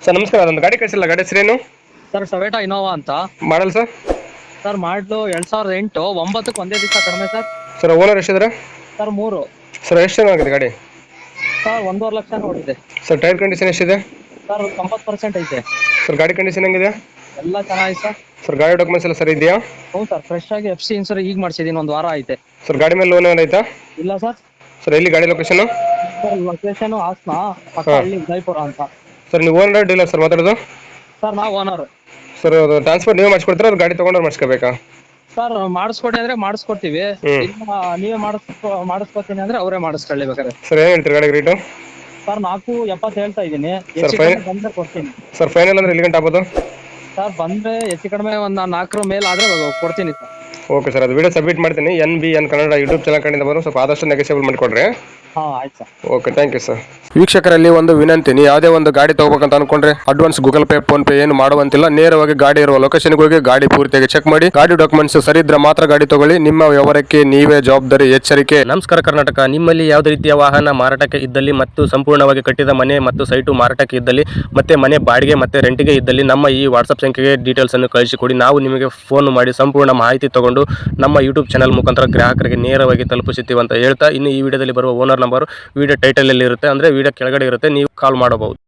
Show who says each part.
Speaker 1: Sir ನಮಸ್ಕಾರ, ಅದೊಂದು ಗಾಡಿ ಕಳಿಸಿಲ್ಲ, ಗಾಡಿ ಹೆಸರೇನು?
Speaker 2: ಸರ್ ಟೊಯೋಟಾ ಇನೋವಾ ಅಂತ.
Speaker 1: Model sir?
Speaker 2: ಸರ್ ಮಾಡ್ಲು 2008 9ಕ್ಕೆ ಒಂದೇ ದಿವಸ ಕಡಿಮೆ ಸರ್.
Speaker 1: ಸರ್ ಓನರ್ ಎಷ್ಟಿದ್ದಾರೆ?
Speaker 2: ಸರ್ 3.
Speaker 1: ಸರ್ ಎಷ್ಟು ಚೆನ್ನಾಗಿದೆ ಗಾಡಿ?
Speaker 2: ಸರ್ 1.5 ಲಕ್ಷ ನೋಡಿದೆ.
Speaker 1: ಸರ್ ಟೈರ್ ಕಂಡೀಷನ್ ಎಷ್ಟಿದೆ?
Speaker 2: ಸರ್ 90% ಐತೆ.
Speaker 1: ಸರ್ ಗಾಡಿ ಕಂಡೀಷನ್ ಹೆಂಗಿದೆ?
Speaker 2: ಎಲ್ಲ ಚೆನ್ನಾಗಿದೆ ಸರ್.
Speaker 1: ಸರ್ ಗಾಡಿ ಡಾಕ್ಯುಮೆಂಟ್ಸ್ ಎಲ್ಲ ಸರಿ ಇದೆಯಾ?
Speaker 2: ಹ್ಞೂ ಸರ್, ಫ್ರೆಶ್ ಆಗಿ FC ಇನ್ಸೂರೆನ್ಸ್ ಈಗ ಮಾಡಿಸಿದೀನಿ, 1 ವಾರ ಐತೆ.
Speaker 1: ಸರ್ ಗಾಡಿ ಮೇಲೆ ಲೋನ್ ಏನಾಯ್ತಾ?
Speaker 2: ಇಲ್ಲ ಸರ್.
Speaker 1: ಸರ್ ಎಲ್ಲಿ ಗಾಡಿ ಲೊಕೇಶನ್?
Speaker 2: ಸರ್ ಲೊಕೇಶನ್ ಹಾಸನ, ಪಕ್ಕ
Speaker 1: ಹಾ.
Speaker 2: ಹಳ್ಳಿ ಜೈಪುರ ಅಂತ.
Speaker 1: ಸರ್ ನೀವು ಓನರ್ ಡೀಲರ್ ಸರ್ ಮಾತಾಡೋದು?
Speaker 2: ಸರ್ ನಾವು ಓನರ್.
Speaker 1: ಸರ್ ಅದು ಟ್ರಾನ್ಸ್ಫರ್ ನೀವೇ ಮಾಡಿಸ್ಕೊಡ್ತೀರಾ, ಅದು ಗಾಡಿ ತೊಗೊಂಡ್ರೆ ಮಾಡಿಸ್ಕೋಬೇಕಾ?
Speaker 2: ಸರ್ ಮಾಡಿಸ್ಕೊಡಿ ಅಂದ್ರೆ ಮಾಡಿಸ್ಕೊಡ್ತೀವಿ.
Speaker 1: ಹ್ಮ್.
Speaker 2: ಇಲ್ಲ ನೀವೇ ಮಾಡಿಸ್ಕೊತೀನಿ ಅಂದ್ರೆ ಅವರೇ ಮಾಡಿಸ್ಕೊಳ್ಳಿ ಬೇಕಾದ್ರೆ.
Speaker 1: ಸರ್ ಏನು ಹೇಳ್ತೀರಿ ಗಾಡಿಗೆ ರೇಟು?
Speaker 2: ಸರ್ 4.70 ಹೇಳ್ತಾ ಇದ್ದೀನಿ.
Speaker 1: ಸರ್
Speaker 2: ಹೆಚ್ಚು ಕಡಿಮೆ ಬಂದ್ರೆ ಕೊಡ್ತೀನಿ.
Speaker 1: ಸರ್ ಫೈನಲ್ ಅಂದ್ರೆ ಎಲ್ಲಿ ಗಂಟೆ ಆಗ್ಬೋದು?
Speaker 2: ಸರ್ ಬಂದ್ರೆ ಹೆಚ್ಚು ಕಡಿಮೆ ಒಂದು 4 ಮೇಲೆ ಆದ್ರೆ ಕೊಡ್ತೀನಿ ಸರ್.
Speaker 1: ಓಕೆ ಸರ್, ಅದು ವಿಡಿಯೋ ಸಬ್ಮಿಟ್ ಮಾಡ್ತೀನಿ. NBN ಕನ್ನಡ ಯೂಟ್ಯೂಬ್ ಚಾನಲ್ ಕಡೆಯಿಂದ ಬಂದು ಸ್ವಲ್ಪ ಆದಷ್ಟು ನೆಗೆಸೇಬಲ್ ಮಾಡಿಕೊಡ್ರಿ.
Speaker 2: ಹಾಂ ಆಯ್ತು sir.
Speaker 1: Okay, thank you sir. ವೀಕ್ಷಕರಲ್ಲಿ ಒಂದು ವಿನಂತಿ, ನೀವು ಯಾವುದೇ ಒಂದು ಗಾಡಿ ತಗೋಬೇಕಂತ ಅನ್ಕೊಂಡ್ರೆ advance Google Pay PhonePe ಏನು ಮಾಡುವಂತಿಲ್ಲ. ನೇರವಾಗಿ ಗಾಡಿ ಇರುವ ಲೊಕೇಶನ್ಗೆ ಹೋಗಿ ಗಾಡಿ ಪೂರ್ತಿಯಾಗಿ ಚೆಕ್ ಮಾಡಿ, ಗಾಡಿ ಡಾಕ್ಯುಮೆಂಟ್ಸ್ ಸರಿ ಇದ್ರೆ ಮಾತ್ರ ಗಾಡಿ ತಗೊಳ್ಳಿ. ನಿಮ್ಮ ವ್ಯವಹಾರಕ್ಕೆ ನೀವೇ ಜವಾಬ್ದಾರಿ. ಎಚ್ಚರಿಕೆ.
Speaker 3: ನಮಸ್ಕಾರ ಕರ್ನಾಟಕ. ನಿಮ್ಮಲ್ಲಿ ಯಾವುದೇ ರೀತಿಯ ವಾಹನ ಮಾರಾಟಕ್ಕೆ ಇದ್ದಲ್ಲಿ ಮತ್ತು ಸಂಪೂರ್ಣವಾಗಿ ಕಟ್ಟಿದ ಮನೆ ಮತ್ತು ಸೈಟು ಮಾರಾಟಕ್ಕೆ ಇದ್ದಲ್ಲಿ ಮತ್ತೆ ಮನೆ ಬಾಡಿಗೆ ಮತ್ತೆ ರೆಂಟಿಗೆ ಇದ್ದಲ್ಲಿ ನಮ್ಮ ಈ ವಾಟ್ಸಪ್ ಸಂಖ್ಯೆಗೆ ಡೀಟೇಲ್ಸ್ ಅನ್ನು ಕಳಿಸಿಕೊಡಿ. ನಾವು ನಿಮಗೆ ಫೋನ್ ಮಾಡಿ ಸಂಪೂರ್ಣ ಮಾಹಿತಿ ತಗೊಂಡು ನಮ್ಮ ಯೂಟ್ಯೂಬ್ ಚಾನಲ್ ಮುಖಾಂತರ ಗ್ರಾಹಕರಿಗೆ ನೇರವಾಗಿ ತಲುಪಿಸುತ್ತೀವಿ ಅಂತ ಹೇಳ್ತಾ, ಇನ್ನು ಈ ವಿಡಿಯೋದಲ್ಲಿ ಬರುವ ಓನರ್ ನಂಬರ್ ವಿಡಿಯೋ ಟೈಟಲ್ ಅಲ್ಲಿ ಇರುತ್ತೆ, ಅಂದ್ರೆ ವಿಡಿಯೋ ಕೆಳಗಡೆ ಇರುತ್ತೆ, ನೀವು ಕಾಲ್ ಮಾಡಬಹುದು.